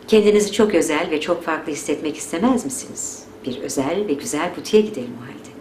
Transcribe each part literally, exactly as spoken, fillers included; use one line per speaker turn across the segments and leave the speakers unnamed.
Kendinizi çok özel ve çok farklı hissetmek istemez misiniz? Bir özel ve güzel butiğe gidelim o halde.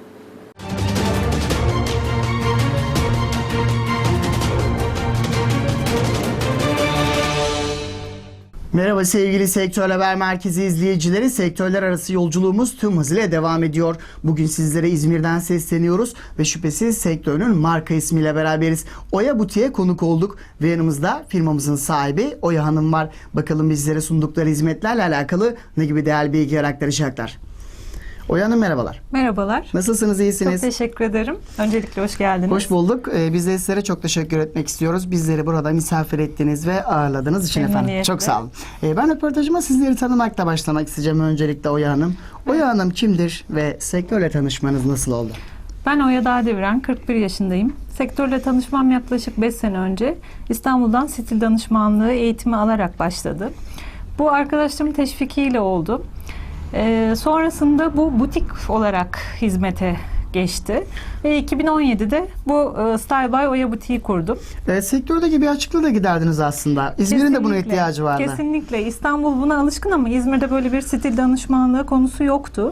Merhaba sevgili Sektör Haber Merkezi izleyicileri. Sektörler arası yolculuğumuz tüm hızıyla devam ediyor. Bugün sizlere İzmir'den sesleniyoruz ve şüphesiz sektörün marka ismiyle beraberiz. Oya Butiğe konuk olduk ve yanımızda firmamızın sahibi Oya Hanım var. Bakalım bizlere sundukları hizmetlerle alakalı ne gibi değerli bilgiler aktaracaklar. Oya Hanım merhabalar.
Merhabalar.
Nasılsınız, iyisiniz?
Çok teşekkür ederim. Öncelikle hoş geldiniz.
Hoş bulduk. Ee, biz de sizlere çok teşekkür etmek istiyoruz. Bizleri burada misafir ettiniz ve ağırladığınız için efendim. Çok sağ olun. Ee, ben röportajıma sizleri tanımakla başlamak isteyeceğim öncelikle Oya Hanım. Oya Hanım kimdir ve sektörle tanışmanız nasıl oldu?
Ben Oya Dağdeviren, kırk bir yaşındayım. Sektörle tanışmam yaklaşık beş sene önce İstanbul'dan stil danışmanlığı eğitimi alarak başladı. Bu arkadaşlarımın teşvikiyle oldu. Ee, sonrasında bu butik olarak hizmete geçti ve iki bin on yedide bu e, Style by Oya Butiği kurdum.
Evet, sektördeki bir açıklığı da giderdiniz aslında. İzmir'in de buna ihtiyacı vardı.
Kesinlikle. İstanbul buna alışkın ama İzmir'de böyle bir stil danışmanlığı konusu yoktu.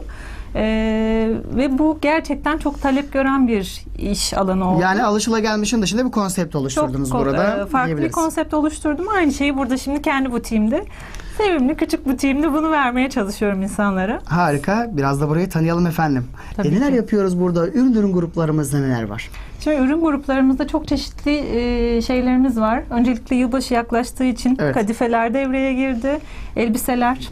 Ee, ve bu gerçekten çok talep gören bir iş alanı oldu.
Yani alışılagelmişin dışında bir konsept oluşturdunuz
çok,
burada.
E, farklı bir konsept oluşturdum. Aynı şeyi burada şimdi kendi butiğimde, sevimli küçük butiğimde bunu vermeye çalışıyorum insanlara.
Harika. Biraz da burayı tanıyalım efendim. E, neler
ki.
yapıyoruz burada? Ürün ürün gruplarımızda neler var?
Şimdi ürün gruplarımızda çok çeşitli e, şeylerimiz var. Öncelikle yılbaşı yaklaştığı için
Evet.
kadifeler devreye girdi. Elbiseler,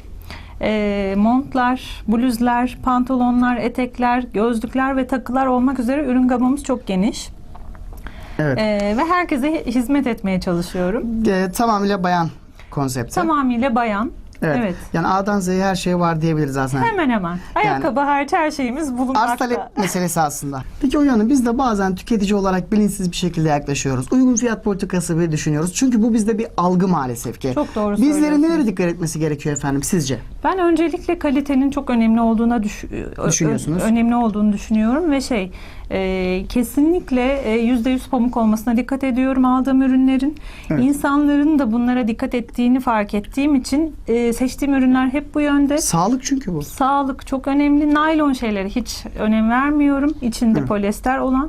e, montlar, bluzlar, pantolonlar, etekler, gözlükler ve takılar olmak üzere ürün gamımız çok geniş.
Evet.
E, ve herkese hizmet etmeye çalışıyorum.
E, tamamıyla bayan konsepti.
Tamamıyla bayan.
Evet.
Evet.
Yani A'dan Z'ye her şey var diyebiliriz aslında.
Hemen hemen. Ayakkabı hariç her şeyimiz
Arz
bulunmakta.
talep meselesi aslında. Peki Oya Hanım, biz de bazen tüketici olarak bilinçsiz bir şekilde yaklaşıyoruz. Uygun fiyat politikası bile düşünüyoruz. Çünkü bu bizde bir algı maalesef ki.
Çok doğru
Bizlerin
söylüyorsunuz.
nelere dikkat etmesi gerekiyor efendim sizce?
Ben öncelikle kalitenin çok önemli olduğuna düş
Düşünüyorsunuz.
önemli olduğunu düşünüyorum ve şey e, kesinlikle yüzde yüz pamuk olmasına dikkat ediyorum aldığım ürünlerin.
Evet.
İnsanların da bunlara dikkat ettiğini fark ettiğim için e, seçtiğim ürünler hep bu yönde.
Sağlık çünkü bu.
Sağlık çok önemli. Naylon şeylere hiç önem vermiyorum. İçinde
Evet.
polyester olan.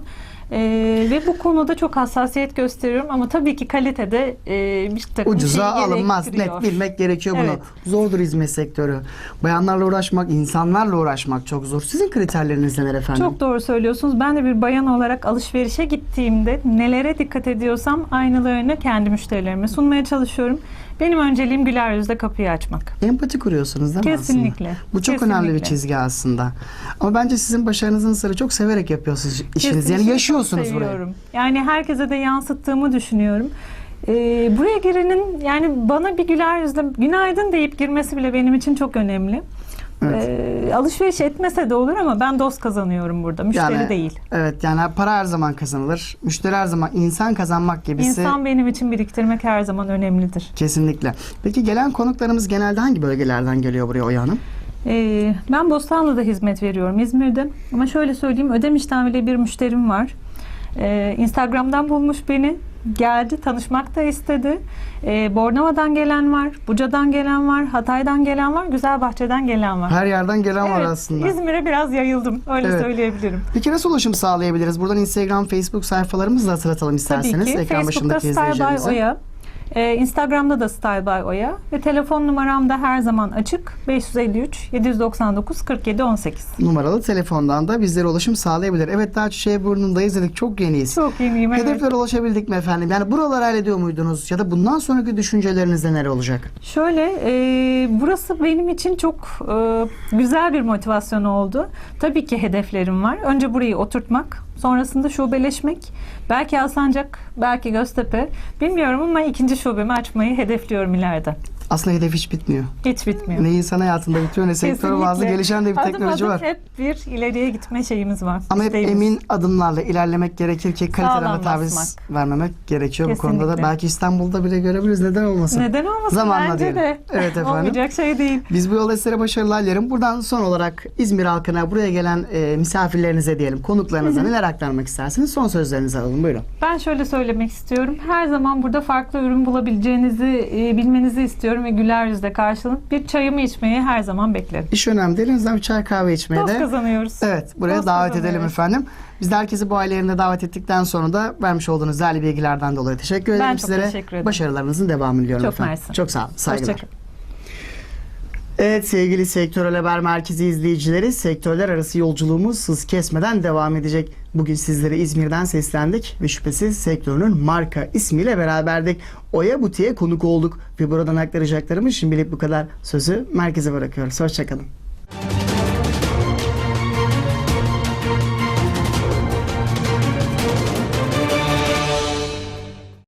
Ee, ve bu konuda çok hassasiyet gösteriyorum ama tabii ki kalitede e, bir takım
Ucuza
şey
alınmaz.
gerektiriyor.
Net bilmek gerekiyor bunu.
Evet.
Zordur hizmet sektörü. Bayanlarla uğraşmak, insanlarla uğraşmak çok zor. Sizin kriterleriniz neler efendim?
Çok doğru söylüyorsunuz. Ben de bir bayan olarak alışverişe gittiğimde nelere dikkat ediyorsam aynılarını kendi müşterilerime sunmaya çalışıyorum. Benim önceliğim güler yüzle kapıyı açmak.
Empati kuruyorsunuz değil mi
Kesinlikle.
aslında? Bu çok
Kesinlikle.
önemli bir çizgi aslında. Ama bence sizin başarınızın sırrı çok severek yapıyorsunuz işinizi.
Kesinlikle
Yani
çok
yaşıyorsunuz burayı.
seviyorum. Yani herkese de yansıttığımı düşünüyorum. Ee, buraya girenin yani bana bir güler yüzle günaydın deyip girmesi bile benim için çok önemli.
Evet.
Ee, alışveriş etmese de olur ama ben dost kazanıyorum burada. Müşteri
Yani,
değil.
Evet, yani para her zaman kazanılır. Müşteri her zaman, insan kazanmak gibisi.
İnsan benim için biriktirmek her zaman önemlidir.
Kesinlikle. Peki gelen konuklarımız genelde hangi bölgelerden geliyor buraya Oya Hanım?
Ee, ben Bostanlı'da hizmet veriyorum, İzmir'de. Ama şöyle söyleyeyim, Ödemiş'ten bile bir müşterim var. Ee, Instagram'dan bulmuş beni. Geldi, tanışmak da istedi. Ee, Bornova'dan gelen var, Buca'dan gelen var, Hatay'dan gelen var, Güzelbahçe'den gelen var.
Her yerden gelen var
Evet,
aslında.
İzmir'e biraz yayıldım, öyle
Evet.
söyleyebilirim.
Peki nasıl ulaşım sağlayabiliriz? Buradan Instagram, Facebook sayfalarımızı da hatırlatalım isterseniz.
Tabii ki.
Ekran
Facebook'ta
başındaki
Style by
izleyicilerimize.
Oya. Ee, Instagram'da da Style by Oya ve telefon numaram da her zaman açık. beş yüz elli üç yedi doksan dokuz kırk yedi on sekiz.
Numaralı telefondan da bizlere ulaşım sağlayabilir. Evet, daha Çiçeğiburnu'ndayız dedik. Çok yeniyiz.
Çok yeniyim, evet.
Hedeflere ulaşabildik mi efendim? Yani buraları hallediyor muydunuz? Ya da bundan sonraki düşünceleriniz neler olacak?
Şöyle, e, burası benim için çok e, güzel bir motivasyon oldu. Tabii ki hedeflerim var. Önce burayı oturtmak, sonrasında şubeleşmek. Belki Alsancak, belki Göztepe. Bilmiyorum ama ikinci şubemi açmayı hedefliyorum ileride.
Aslında hedef hiç bitmiyor.
Hiç bitmiyor.
Ne insan hayatında bitiyor ne sektör bazlı
Kesinlikle.
gelişen de bir
Adım
teknoloji
adım
var.
hep bir ileriye gitme şeyimiz var.
Ama hep
isteğimiz.
emin adımlarla ilerlemek gerekir ki kaliteden
Sağlam
taviz
basmak.
vermemek gerekiyor. Bu konuda da
Kesinlikle.
belki İstanbul'da bile görebiliriz. Neden olmasın?
Neden olmasın?
Zamanla
Bence
diyelim.
de.
Evet efendim.
Olmayacak şey değil.
Biz bu yolda sizlere başarılar dilerim. Buradan son olarak İzmir halkına, buraya gelen e, misafirlerinize diyelim, konuklarınıza neler aktarmak istersiniz? Son sözlerinizi alalım. Buyurun.
Ben şöyle söylemek istiyorum. Her zaman burada farklı ürün bulabileceğinizi e, bilmenizi istiyorum. dostlarım ve güler yüzle karşılanıp bir çayımı içmeyi her zaman beklerim.
İş önemli değil. En azından bir çay kahve içmeye
Dost
de.
kazanıyoruz.
Evet, buraya
Dost
davet
kazanıyoruz.
edelim efendim. Biz de herkesi bu ailelerine davet ettikten sonra da vermiş olduğunuz değerli bilgilerden dolayı teşekkür ederim
Ben çok
sizlere.
teşekkür ederim.
Başarılarınızın devamını diliyorum
Çok
efendim.
mersi.
Çok sağ olun. Saygılar.
Hoşçakalın.
Evet sevgili Sektörel Haber Merkezi izleyicileri, sektörler arası yolculuğumuz hız kesmeden devam edecek. Bugün sizlere İzmir'den seslendik ve şüphesiz sektörünün marka ismiyle beraberdik. Oya Butiğe konuk olduk ve buradan aktaracaklarımız şimdilik bu kadar. Sözü merkeze bırakıyoruz. Hoşçakalın.